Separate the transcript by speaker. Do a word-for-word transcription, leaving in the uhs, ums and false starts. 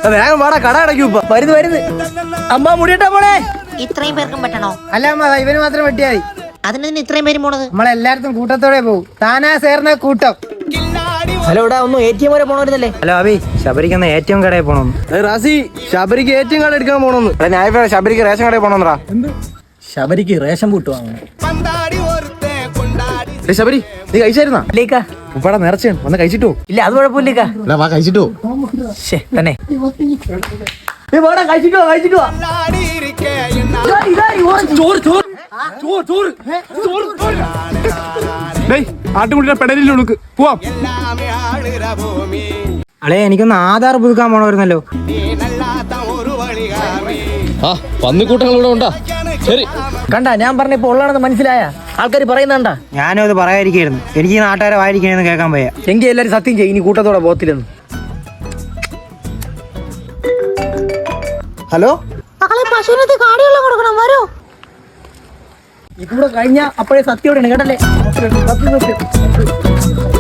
Speaker 1: വേഗം വാടാ, കട അടയ്ക്കും ഇപ്പൊ. വരുന്നു വരുന്നു. അമ്മ മുടിയിട്ടാ പോണേ.
Speaker 2: ഇത്രയും പേർക്കും പറ്റണോ?
Speaker 1: അല്ല അമ്മ, ഇവന് മാത്രം വെട്ടിയാ മതി.
Speaker 2: അതിന് ഇത്രയും പേരും പോണത്?
Speaker 1: നമ്മളെല്ലായിടത്തും കൂട്ടത്തോടെ പോകും. താനാ സേർന്ന കൂട്ടം.
Speaker 3: ഹലോ, ഇവിടെ ഒന്ന് എ ടി എം വരെ പോണവരുന്നല്ലേ?
Speaker 1: ഹലോ അബി, ശബരിക്കുന്ന എ ടി എം കടയിൽ പോണം.
Speaker 4: റാസി, ശബരിക്ക് എ ടി എം കാർഡ് എടുക്കാൻ പോണോന്ന്.
Speaker 1: ഞാൻ ശബരിക്ക് റേഷൻ കടയിൽ പോണെന്നാ.
Speaker 3: ശബരിക്ക് റേഷൻ പൂട്ട് വാങ്ങണം.
Speaker 4: ശബരി, നീ കഴിച്ചായിരുന്നാ?
Speaker 3: ഇല്ലേക്കാ.
Speaker 4: ഉപ്പാടെ നേർച്ചയാണ്, വന്ന് കഴിച്ചിട്ടോ?
Speaker 3: ഇല്ല, അത് കുഴപ്പമില്ലേക്കാ.
Speaker 4: വാ കഴിച്ചിട്ടോ.
Speaker 3: ശേ തന്നെ.
Speaker 1: കഴിച്ചിട്ടോ കഴിച്ചിട്ടോ.
Speaker 4: ആട്ടുമുട്ടിയുടെ പെടലിൽ ഉണക്ക് പോവാം.
Speaker 1: അളേ, എനിക്കൊന്ന് ആധാർ പുതുക്കാൻ പോണമായിരുന്നല്ലോ.
Speaker 4: ആ പന്നിക്കൂട്ടങ്ങളിവിടെ ഉണ്ടാ. ശരി,
Speaker 3: കണ്ടാ ഞാൻ പറഞ്ഞ ഇപ്പൊ ഉള്ളതാണെന്ന് മനസ്സിലായ ആൾക്കാർ പറയുന്നണ്ടാ.
Speaker 1: ഞാനും അത് പറയാതിരിക്കായിരുന്നു. എനിക്ക് ഈ നാട്ടുകാരെ വായിരിക്കണെന്ന് കേൾക്കാൻ പോയാ. എങ്കിൽ എല്ലാരും സത്യം ചെയ്യും, ഇനി കൂട്ടത്തോടെ പോത്തില്ലെന്ന്. ഹലോ,
Speaker 2: പശുവിനകത്ത് കാടിവെള്ളം കൊടുക്കണം, വരൂ.
Speaker 3: ഇതുകൂടെ കഴിഞ്ഞ അപ്പോഴേ സത്യോടെയാണ് കേട്ടല്ലേ.